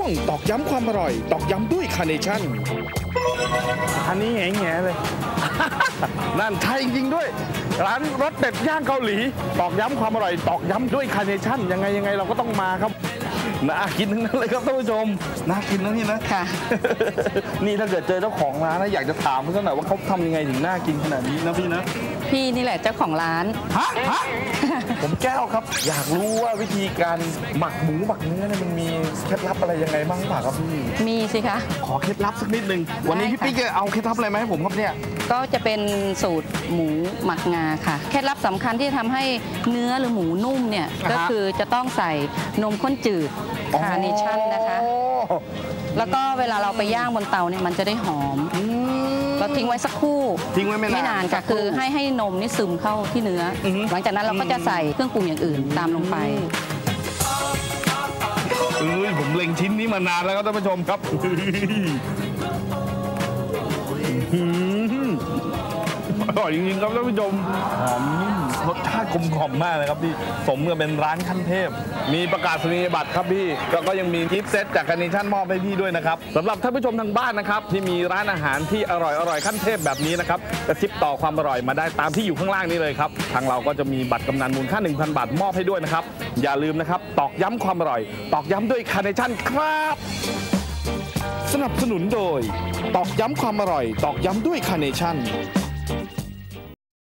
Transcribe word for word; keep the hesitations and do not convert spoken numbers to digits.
ตอกย้ำความอร่อยตอกย้ำด้วยคาร์เนชั่นอันนี้แง่ๆเลย นั่นใช่จริงๆด้วยร้านรสเด็ดย่างเกาหลีตอกย้ำความอร่อยตอกย้ำด้วยคาร์เนชั่นยังไงยังไงเราก็ต้องมาครับน่ากินทั้งนั้นเลยครับท่านผู้ชมน่ากินนะพี่นะค่ะ นี่ถ้าเกิดเจอเจ้าของร้านนะอยากจะถามเขาสักหน่อยว่าเขาทำยังไงถึงน่ากินขนาดนี้นะพี่นะพี่นี่แหละเจ้าของร้านฮะฮะ ผมแก้วครับอยากรู้ว่าวิธีการหมักหมูหมักเนื้อเนี่ยมันมีเคล็ดลับอะไรยังไงบ้างหรือเปล่าครับพี่มีสิคะขอเคล็ดลับสักนิดนึงวันนี้พี่ปิ๊กจะเอาเคล็ดลับอะไรมาให้ผมครับเนี่ยก็จะเป็นสูตรหมูหมักงาค่ะเคล็ดลับสำคัญที่ทำให้เนื้อหรือหมูนุ่มเนี่ยก็คือจะต้องใส่นมข้นจืดคาร์เนชั่นนะคะแล้วก็เวลาเราไปย่างบนเตาเนี่ยมันจะได้หอมเราทิ้งไว้สักครู่ทิ้งไว้ไม่นานค่ะคือให้ให้นมนี่ซึมเข้าที่เนื้อหลังจากนั้นเราก็จะใส่เครื่องปรุงอย่างอื่นตามลงไปเอ้ยผมเล็งชิ้นนี้มานานแล้วครับท่านผู้ชมครับอร่อยจริงๆครับท่านผู้ชมหอมนิ่มรสชาติกลมกล่อมมากเลยครับพี่สมกับเป็นร้านขั้นเทพมีประกาศนียบัตรครับพี่แล้วก็ยังมีกิฟต์เซตจากคาร์เนชั่นมอบให้พี่ด้วยนะครับสำหรับท่านผู้ชมทางบ้านนะครับที่มีร้านอาหารที่อร่อยอร่อยขั้นเทพแบบนี้นะครับกระซิบต่อความอร่อยมาได้ตามที่อยู่ข้างล่างนี้เลยครับทางเราก็จะมีบัตรกำนันมูลค่า หนึ่งพัน บาทมอบให้ด้วยนะครับอย่าลืมนะครับตอกย้ำความอร่อยตอกย้ำด้วยคาร์เนชั่นครับสนับสนุนโดยตอกย้ำความอร่อยตอกย้ำด้วยคาร์เนชั่น